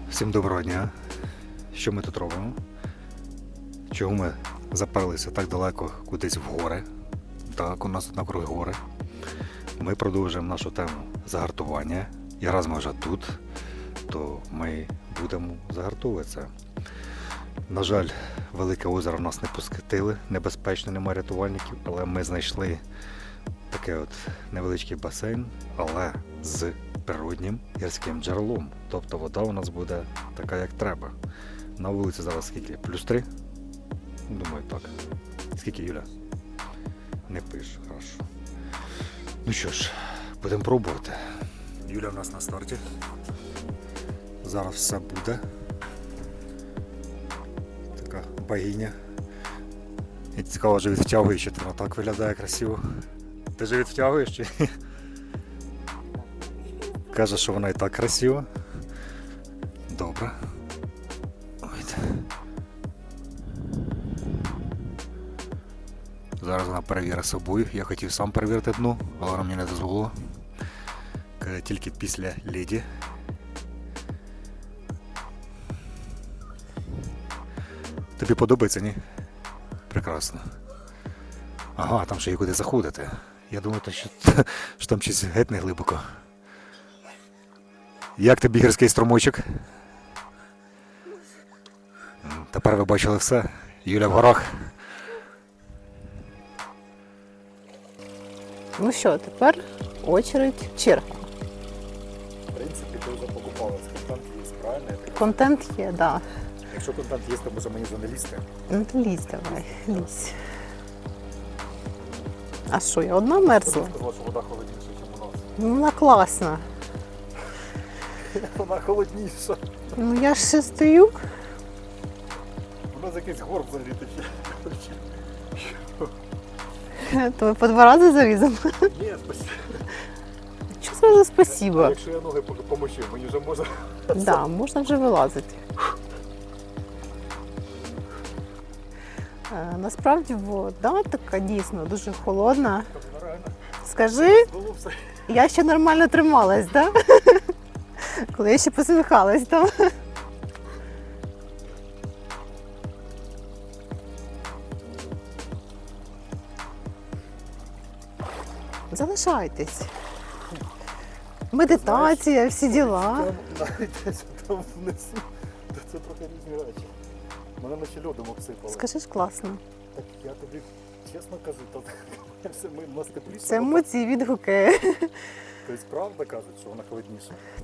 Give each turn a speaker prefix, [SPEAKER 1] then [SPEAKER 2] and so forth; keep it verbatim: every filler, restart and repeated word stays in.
[SPEAKER 1] Всім доброго дня. Що ми тут робимо? Чого ми заперлися так далеко кудись в гори? Так, у нас тут навкруги гори. Ми продовжуємо нашу тему загартування. І раз ми вже тут, то ми будемо загартовуватися. На жаль, велике озеро нас не пускатили, небезпечно, немає рятувальників, але ми знайшли такий от невеличкий басейн, але з природнім гірським джерелом. Тобто вода у нас буде така, як треба. На вулиці зараз скільки? Плюс три? Думаю, так. Скільки, Юля? Не пише, хорошо. Ну що ж, будемо пробувати. Юля в нас на старті. Зараз все буде. Така богиня. І цікаво, вже відтягує, що вона так виглядає красиво. Ти же відтягуєш чи? Каже, що вона і так красива. Добре. Ой. Зараз вона перевірить собою. Я хотів сам перевірити дно, але вона мені не дозволила. Каже, тільки після леді. Тобі подобається, ні? Прекрасно. Ага, там ще є куди заходити. Я думаю, що, що там щось геть не глибоко. Як тобі гірський струмочок? Тепер ви бачили все. Юля в горах.
[SPEAKER 2] Ну що, тепер очередь черга.
[SPEAKER 1] В принципі, ти вже покупалась. Контент є, правильно?
[SPEAKER 2] Контент є, так. Да.
[SPEAKER 1] Якщо контент є, то може мені вже не лізти.
[SPEAKER 2] Ну то лізь давай, лізь. А що, я одна мерзла?
[SPEAKER 1] Ти сказала, що вода холодніша, ніж у нас.
[SPEAKER 2] Ну вона класна.
[SPEAKER 1] Вона холодніша.
[SPEAKER 2] Ну я ж ще стою.
[SPEAKER 1] У нас якийсь горб взагалі такий.
[SPEAKER 2] То ми по два рази заліземо.
[SPEAKER 1] Ні, спасибо.
[SPEAKER 2] Чого зразу
[SPEAKER 1] А
[SPEAKER 2] спасибо?
[SPEAKER 1] якщо я ноги помочу, мені вже можна...
[SPEAKER 2] Так, да, можна вже вилазити. Е, Насправді вода така дійсно дуже холодна. Скажи,
[SPEAKER 1] Було все.
[SPEAKER 2] я ще нормально трималась, так? Да? Коли я ще посміхалась там. Залишайтесь. Медитація, всі діла.
[SPEAKER 1] Там, навіть десь там внизу, то це трохи різні речі. Мене наче льодом обсипало.
[SPEAKER 2] Скажи ж класно.
[SPEAKER 1] Так я тобі чесно кажу, то все ми у нас тепліше.
[SPEAKER 2] Це емоції відгуки.
[SPEAKER 1] Тобто правда кажуть, що вона холодніша?